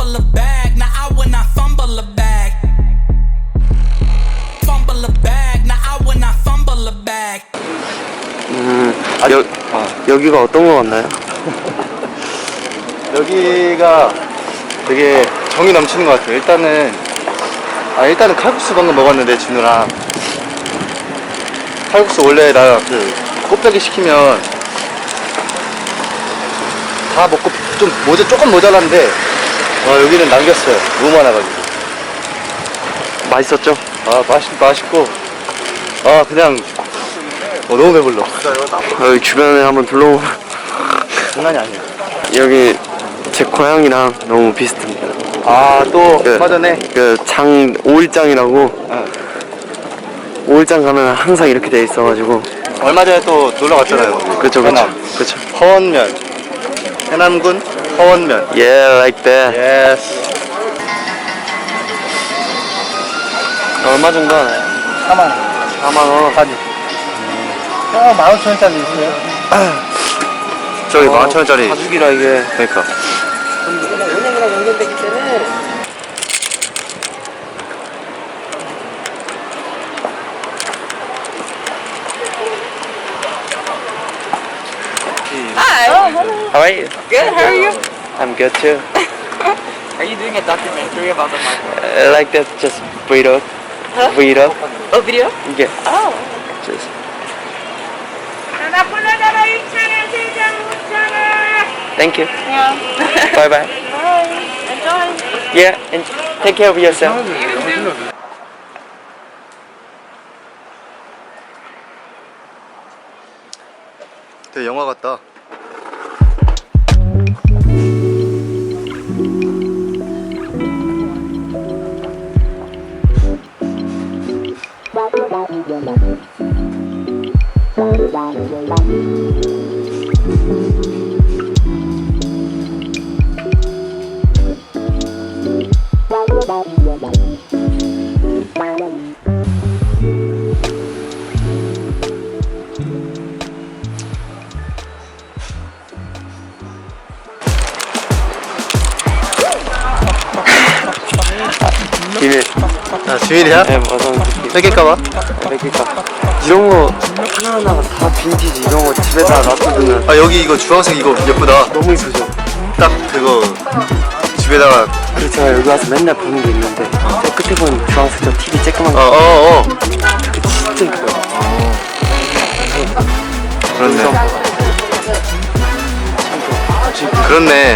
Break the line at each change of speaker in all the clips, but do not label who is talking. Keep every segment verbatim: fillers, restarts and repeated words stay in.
fumble a bag. Now I when I fumble a bag. Fumble a bag. Now I when I fumble a bag.
음, 여, 아, 여기가 어떤 거 같나요?
여기가 되게 정이 넘치는 것 같아요. 일단은 아 일단은 칼국수 방금 먹었는데 진우랑 칼국수 원래 나 그 꽃배기 시키면 다 먹고 좀 모자 조금 모자란데 어, 여기는 남겼어요. 너무 많아가지고.
맛있었죠?
아 맛있 맛있고 아 그냥 어, 너무 배불러.
여기 주변에 한번 둘러보.
장난이 아니야.
여기 제 고향이랑 너무 비슷합니다.
아또
그,
얼마 전에
그 장 오일장이라고
어,
오일장 가면 항상 이렇게 돼 있어가지고.
얼마 전에 또 놀러 갔잖아요.
그쵸 그쵸
해남.
그쵸.
허원면 해남군 허원면.
Yeah, like that.
예스.
얼마 정도 하나요?
사만 원.
사만 원.
가지. 어, 만 오천 원짜리 있어요. 저기 만 오천 원짜리.
가죽이라 이게.
그러니까.
은행이랑 연결되기 때문에.
Hi.
How are you?
Good. How are you?
I'm good too.
Are you doing a documentary about the market?
I like that just burrito.
Huh?
Burrito.
Oh, video?
Yeah.
Oh.
Just. Thank you.
Yeah.
Bye bye.
Bye. Enjoy.
Yeah, and take care of yourself.
되게 영화 같다.
비밀.
아, 지밀이야?
네, 맞아.
뺏길까봐?
그러니까 이런 거 하나하나가 다 빈티지. 이런 거 집에다 놔두면
아, 여기 이거 주황색 이거 예쁘다.
너무 이쁘죠?
딱 그거 집에다가.
그래서 제가 여기 와서 맨날 보는 게 있는데 저 끝에 보면 주황색 저 티비 쬐끄만
어,
거
어, 어.
그게 진짜 이뻐요.
그렇네. 그렇네.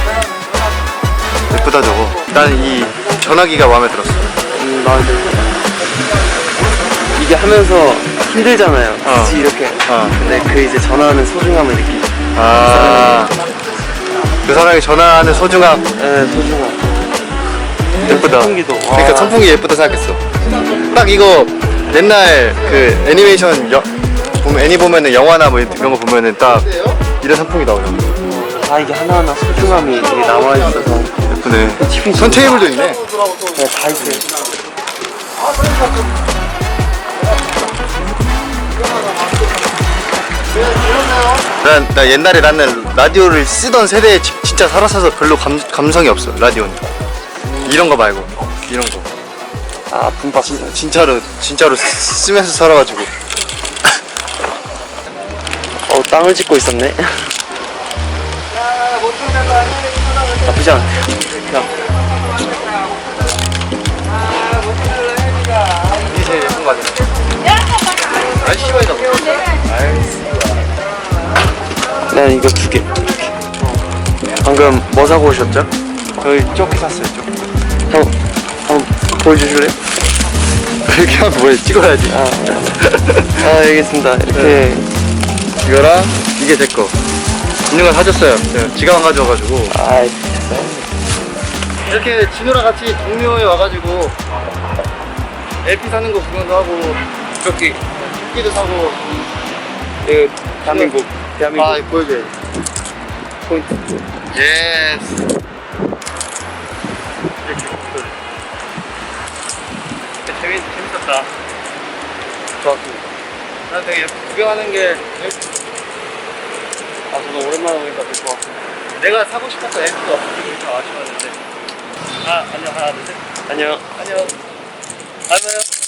예쁘다 저거. 난 이 전화기가 마음에 들었어.
음, 마음에 들어요. 이게 하면서 힘들잖아요.
어.
굳이 이렇게.
어.
근데 그 이제 전화하는 소중함을 느끼죠.
아, 그 사람이 전화하는 소중함.
네, 소중함.
예쁘다.
선풍기도.
그러니까
와.
선풍기 예쁘다 생각했어. 딱 이거 옛날 그 애니메이션 여, 보면 애니 보면은 영화나 뭐 이런 거 보면은 딱 이런 선풍기 나오잖아.
다 이게 하나하나 소중함이 되게 남아있어서.
예쁘네.
티비
선 테이블도 있네.
네, 다 있어요.
난, 나 옛날에 나는 라디오를 쓰던 세대에 지- 진짜 살았어서 별로 감, 감성이 없어 라디오는. 이런 거 말고 이런 거.
아, 분박.
진, 진짜로 진짜로 쓰- 쓰면서 살아가지고.
어, 땅을 짓고 있었네. 나쁘지 않아. 그냥.
이게 제일 예쁜 거 같아. 아이 씨발이다.
난 이거 두 개. 방금 뭐 사고 오셨죠?
저희 조끼 샀어요. 조끼.
형, 한번 보여주실래요?
이렇게 하면 뭐해? 찍어야지.
아, 아, 알겠습니다. 이렇게.
이거랑 이게 제 거. 진우가 사줬어요. 제가 지갑 안 가져와가지고.
아, 됐어요.
이렇게 진우랑 같이 동묘에 와가지고 엘피 사는 거 구경도 하고 조끼 조끼도 사고.
이거 대한민국. 대한민국.
아, 이거 보여줘야지.
포인트.
예스. 재밌, 재밌었다.
좋았습니다.
난 되게 구경하는 게
아, 저도 오랜만에 오니까 되게 좋았어요.
내가 사고 싶었던 엘피가 없어서 좀 아쉬웠는데
아 안녕 하나 둘 셋. 안녕.
안녕.
안녕.